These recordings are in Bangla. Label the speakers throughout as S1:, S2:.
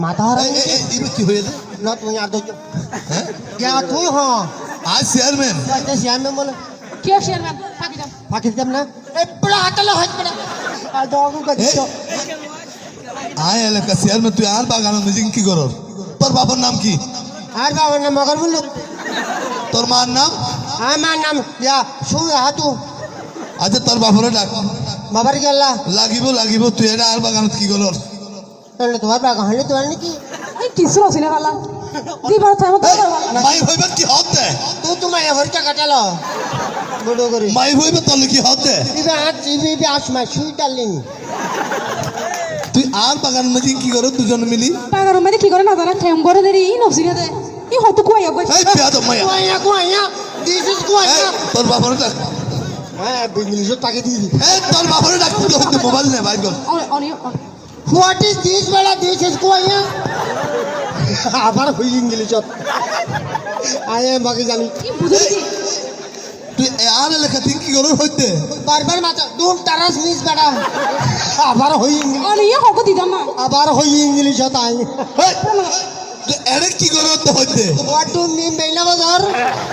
S1: माता
S2: কি হয়েছে
S1: ना तुम याद दो क्या तू हाँ
S2: आज চেয়ারম্যান
S1: क्या চেয়ারম্যান बोले
S3: क्या চেয়ারম্যান
S1: फाकी जब ना ए बड़ा हटला हट बड़ा आ दो का दियो
S2: আয় এলাকা চেয়ারম্যান তুই আর বাগান মিটিং কি করর তোর বাবার নাম কি
S1: আর बाबा ना मगर बोलो
S2: তোর মার নাম
S1: हाँ मां नाम या सु हातू
S2: আচ্ছা তোর বাবারে ডাক
S1: बाबर के अल्लाह
S2: লাগিব তুই এটা আর বাগানত কি করর
S1: तो तुम्हारे बागा हले तो नहीं की
S3: এই কিছু আছে না বালা দিবার টাইম তো
S2: মাই হইবে কি হতে
S1: तू तुम्हारे घर का कटला बड़ो करे
S2: মাই হইবে তোর কি হতে
S1: इबे आज इबे आज मैं सुई डालिंग
S2: তুই আর বাগান মিটিং কি করর দুজন মিলি
S3: টাকার মধ্যে কি করে না জানা ঠেম করে দেরি নফসিনে দে ই হতো কই গো
S2: এই পেয়াদ মায়া
S1: कुआया दिस इज कुआया
S2: তোর বাবারে ডাক
S1: हां इंग्लिश ताके दी
S2: এই তোর বাবারে ডাক তুই মোবাইল নে বাইর কর
S3: অনি
S1: व्हाट इज दिस बेला दिस इज कुआया আবার হই ইংলিশত আয়ে বাকি জানি
S3: কি বুঝলি
S2: তুই আর এলাকা তুই কি করর হইতে
S1: বারবার মাথা দুম তারাস মিস বেটা আবার হই ইংলিশ
S3: অনি ইয়া হকো দিদাম না
S1: আবার হই ইংলিশত আই
S2: তুই এর কি করর তো হইতে
S1: হোয়াট ডু মিন বেনা বাজার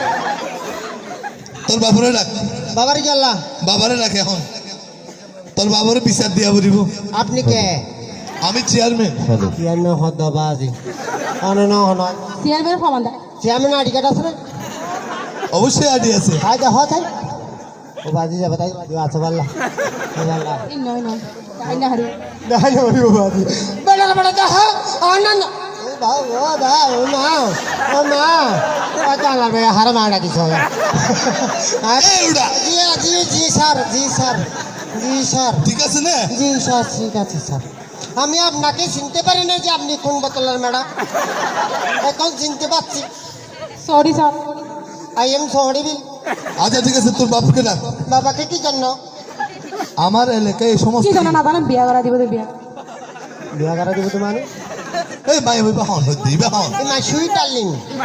S2: তোর বাবারে ডাক
S1: বাবার কি আল্লাহ
S2: বাবারে ডাক এখন তোর বাবারে বিচার দিয়া বলিব
S1: আপনি কে
S2: আমি চেয়ারম্যান
S1: ইয়ান হদবাজি অনন হন
S3: চেয়ারম্যান ফমান দা
S1: চেয়ারম্যান আইডি কার্ড আছে না
S2: অবশ্যই আইডি আছে
S1: হাই দা হত হাই ও বাজি যা বাতাই বাজি আছে বাল্লা বাল্লা
S3: এই নয় নয় তাই না হারি
S1: দাই ওই বাজি বড় বড় দা অনন ও বা ও মা ও চালা রে হার মারা দিছ
S2: এই উড়া
S1: জি জি জি স্যার জি স্যার জি স্যার
S2: ঠিক আছে না
S1: জি স্যার ঠিক আছে স্যার আমি আপনাকে চিনতে পারি না যে আপনি কোন বোতলের ম্যাডাম এখন চিনতে পারছি
S3: sorry sir
S1: I am sorry বিল
S2: আচ্ছা ঠিক আছে তোর বাপকে ডাক
S1: বাবাকে কি জন্য
S2: আমার এলাকায় এই সমস্ত
S3: কি জানা না জানা বিয়া করা দিব দে বিয়া
S1: বিয়া করা দিব তো মানে
S2: এই ভাই হইবা হন হইতে দিবে হন
S1: এই মাই সুইট ডার্লিং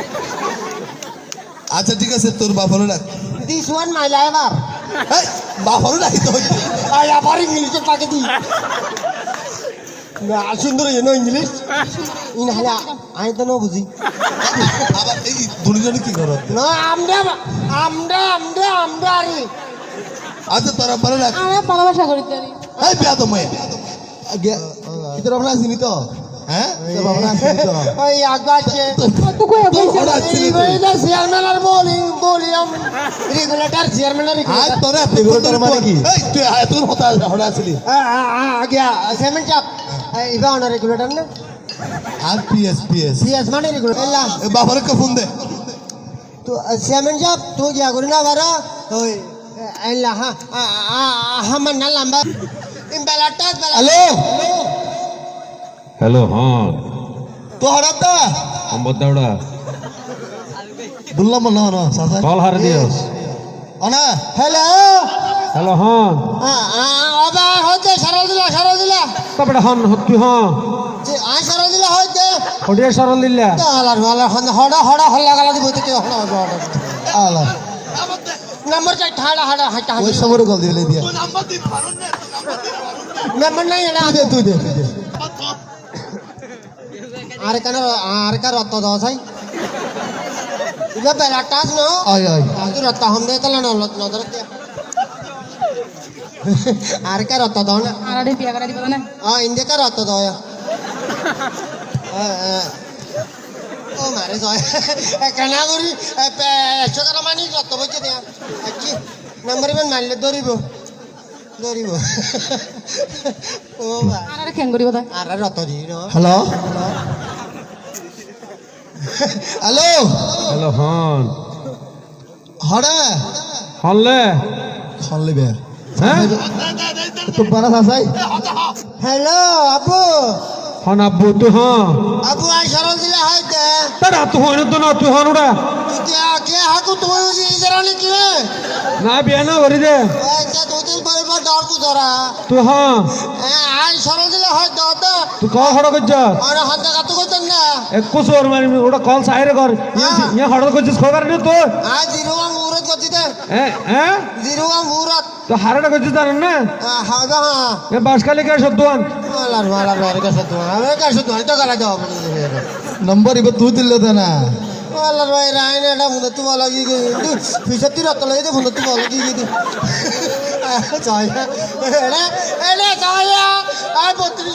S2: আচ্ছা ঠিক আছে তোর বাপরে ডাক
S1: দিস ওয়ান মাই লাইভার
S2: এই বাপরে ডাকিতে হইতে
S1: আই আবার ইংলিশে পাকে দি না সুন্দর ইনো ইংলিশ ইন হালা আই তো নো বুঝি
S2: আবার এই দুনিজনে কি করো
S1: না আমরা আরে
S2: আচ্ছা তোর বাপরে ডাক
S3: আমি ভালোবাসা করি তারি
S2: এই পেয়া তো মায়া তোর বাপরে আসিনি তো হ্যাঁ তোর বাপরে আসিনি তো
S1: ওই আগাছে
S3: তো কই
S2: তোর
S3: কইছে
S2: বাপরে আসিনি তো
S1: এইটা চেয়ারম্যান আর বলিয়াম রেগুলেটর চেয়ারম্যান আর
S2: আজ
S1: রেগুলেটর
S2: তোরে রেগুলেটর মানে কি এই তুই তুই হতা হড়া আসলি
S1: আগে সেমেন্ট চাপ ইবা অন রেগুলেটর না
S2: আর পিএস
S1: সিএস মানে রেগুলেটর এলা
S2: এ বাপরে কে ফোন দে
S1: তো সেমেন্ট চাপ তো গিয়া করি না বারা ওই এলা হামান না লম্বা ইমবেলাটাস বেলা
S2: হ্যালো
S4: হ্যালো হ্যাঁ
S2: তো হড়াতা
S4: সম্বত দাওড়া
S2: বললাম না না সাসা
S4: কল হারে দিওস
S2: অনা
S1: হ্যালো
S4: হ্যালো হ্যাঁ
S1: আবা হতে সরল দিলা
S4: তারপরে হন হকি হ্যাঁ
S1: যে আই সরল দিলা হইতে
S4: হডিয়া সরল দিল্লা
S1: হালার হড়া হল্লা গালা দিব থেকে
S2: আলা
S1: নম্বর চাই ঠাড়া হাড়া হাঁটা
S2: ওই সমরে কল দিলে দিয়া
S1: নম্বর নাই এটা
S2: তুই দে
S1: আর কার রত্ত দাও চাই ইবা বেলা টাস ন
S2: আয়
S1: আজ রত্ত হম দে তলা নজর দিয়া আর কার রত্ত দাও না
S3: আরে বিয়া করা দিব না
S1: ইন্দে কার রত্ত দাও ও মারে জয় কেনা করি একশো টাকা মানি রত্ত বইছে দেয়া কি নম্বর ইমান মারলে ধরিব ও ভাই
S3: আরে কেন করিব তাই
S1: আর রত্ত দি
S2: হ্যালো হ্যালো
S4: হ্যালো হন
S2: হড়া
S4: হনলে
S2: খনলে বে
S4: হ্যাঁ
S2: তো বারা সাসাই
S1: হ্যালো আপু
S4: হন আব্বু তুই হ্যাঁ
S1: আপু আই সরল দিলা হইতে
S4: তার তুই হন তো না তুই হন ওটা
S1: কে হাকু তুমি বুঝি ইজারানি কি
S4: না বিয়া না করি দে
S1: আচ্ছা দুদিন পরে ডর কু ধরা
S4: তুই হ্যাঁ
S1: আই সরল দিলা হয় দাদা
S4: তুই কল হড় করছ
S1: আর হাতে কাতু কইতেন না
S4: একুশ ওর মারি ওটা কল সাইরে কর ইয়া হড় করছিস খবর নেই তোর
S1: আই জিরুয়াং মুরত গতিতে
S4: হ্যাঁ হ্যাঁ
S1: জিরুয়াং মুরত
S4: তো হারাটা করছে জানেন না
S1: হাওদা হ্যাঁ
S4: এ বাসকালি কে সদ্দান
S1: মালার মালার মার কাছে তো আমি কাছে তো তো গলা দাও
S2: ನಂಬರ್ ಇವ ತೂತಿಲ್ಲದನ
S1: মালার ভাই রাইন এটা মুদে তো বলা কি পিছে তির তো লই দে মুদে তো বলা কি কি চাই এড়ে এড়ে চাই আর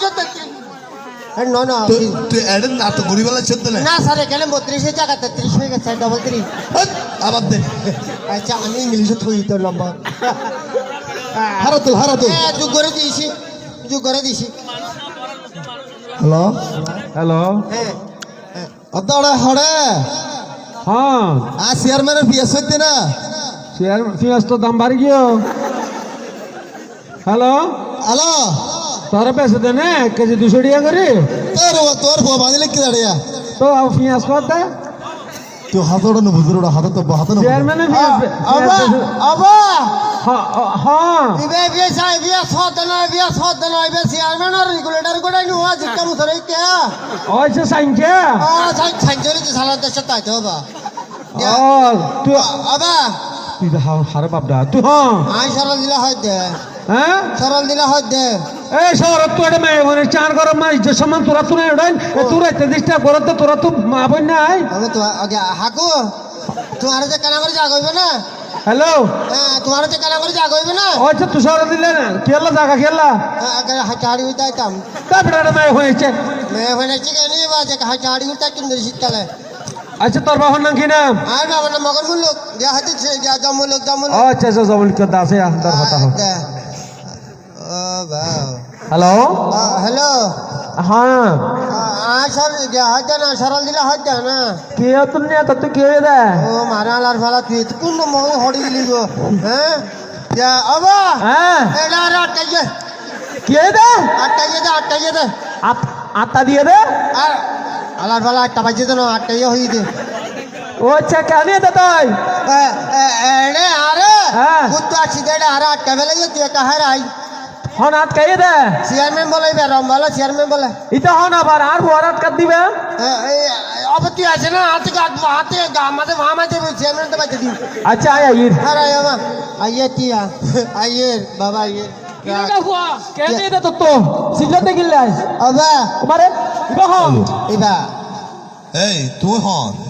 S1: 32 না না
S2: তুই এডেন না তো গরিবালা ছেদ না
S1: না স্যার এখানে 32 জায়গা 33 হয়ে গেছে ডবল 3
S2: আবার দে
S1: আচ্ছা আমি ইংলিশে থই তো নাম্বার
S2: হারাতুল
S1: যুগ করে দিছি
S2: হ্যালো
S4: হ্যালো
S1: হ্যাঁ
S2: ಅದ್ದಾಳೆ ಹೊಡೆ
S4: হ্যাঁ
S2: ಆ ಚೇರ್ಮನ್ পিএস হইতে না
S4: শেয়ার পেঁয়াজ তো দাম বাড়ি গিয়েও হ্যালো
S2: ಹಲೋ
S4: তোরা পেঁচে দে না 1 কেজি 200 টাকা করে
S2: তোর ಬೋ ಬಾದಿಲೆ ಕಿದಾಡಿಯ
S4: তো পেঁয়াজ কত দে
S2: তুই হাতড়নো বুজুরুಡ হাতনো
S4: চেয়ারম্যানে
S1: আবা
S4: হ্যাঁ
S1: বিয়া সদ না চেয়ারম্যান আর রেগুলেটর করে নি ওয়া জিকা মুসরে কে
S4: ওইসে সাইনকে
S1: সাইজরি তো সালা দেশ তাই তো বাবা
S4: ও তুই
S1: আবা
S4: তুই হারে বাপ দা তুই হ্যাঁ
S1: আই সরল দিলা হয় দে
S4: হ্যাঁ
S1: সরল দিলা হয় দে
S4: এই শহরত তো এটা মেয়ে মানে 4 গরম মাস যে সমান তোরা তো নাই ওড়াই তোরা এত ডিস্টার্ব করতে তোরা তো মা বই নাই
S1: আমি তো আগে হাকু তোমার যে কানা করে জাগ হইবে না
S4: হ্যালো
S1: হ্যাঁ তোমার যে কানা করে জাগ হইবে না
S4: আচ্ছা তুই শহর দিলে না কেলা জায়গা কেলা
S1: আগে হাটাড়ি উঠাইতাম
S4: তারপরে এটা মেয়ে হয়েছে
S1: মেয়ে হইছে কেন বা যে হাটাড়ি উঠাই কিন দিছি শীতকালে
S4: আচ্ছা তোর বাবার নাম কি নাম
S1: আর বাবা না মগন মুলুক দিয়া হাতে দিয়া জমুলুক
S4: আচ্ছা আচ্ছা জবল কে দাসে তোর কথা হোক
S1: ও বাও
S4: হ্যালো
S1: হ্যালো
S4: হ্যাঁ
S1: সর হাতে না সরল দিলে হাতে না
S4: কে তুমি তো তুই কে দে
S1: ও মারালার ফেলা তুই কোন মগে হড়ি দিলি গো হ্যাঁ যা আবা
S4: হ্যাঁ
S1: এটা আর আটকাইছে
S4: কে দে
S1: আটকাইছে দে
S4: আত্মা দিয়ে দে
S1: আর আলার ফেলা আটটা বাজে তো না আটকাইছে হয়ে দে
S4: ও আচ্ছা কেন দে তুই
S1: এড়ে আরে
S4: হ্যাঁ
S1: কুত্তো আছি দে আরে আটকা ফেলে তুই একা হারাই
S4: হন আটকাই দে
S1: চেয়ারম্যান বলে বেরম বলে চেয়ারম্যান বলে
S4: এটা হন আবার আর বড় আটকা দিবে
S1: অবতি আছে না হাতে মাঝে মাঝে চেয়ারম্যান তো বাজে দিন
S4: আচ্ছা আয় আইর
S1: আর আয়া আইয়ে তিয়া আইয়ে বাবা আইয়ে
S4: কেন দে তো তো সিজতে গিলাই
S1: আবা
S4: তোমারে ইবা হন
S1: এবা
S2: এই তুই হন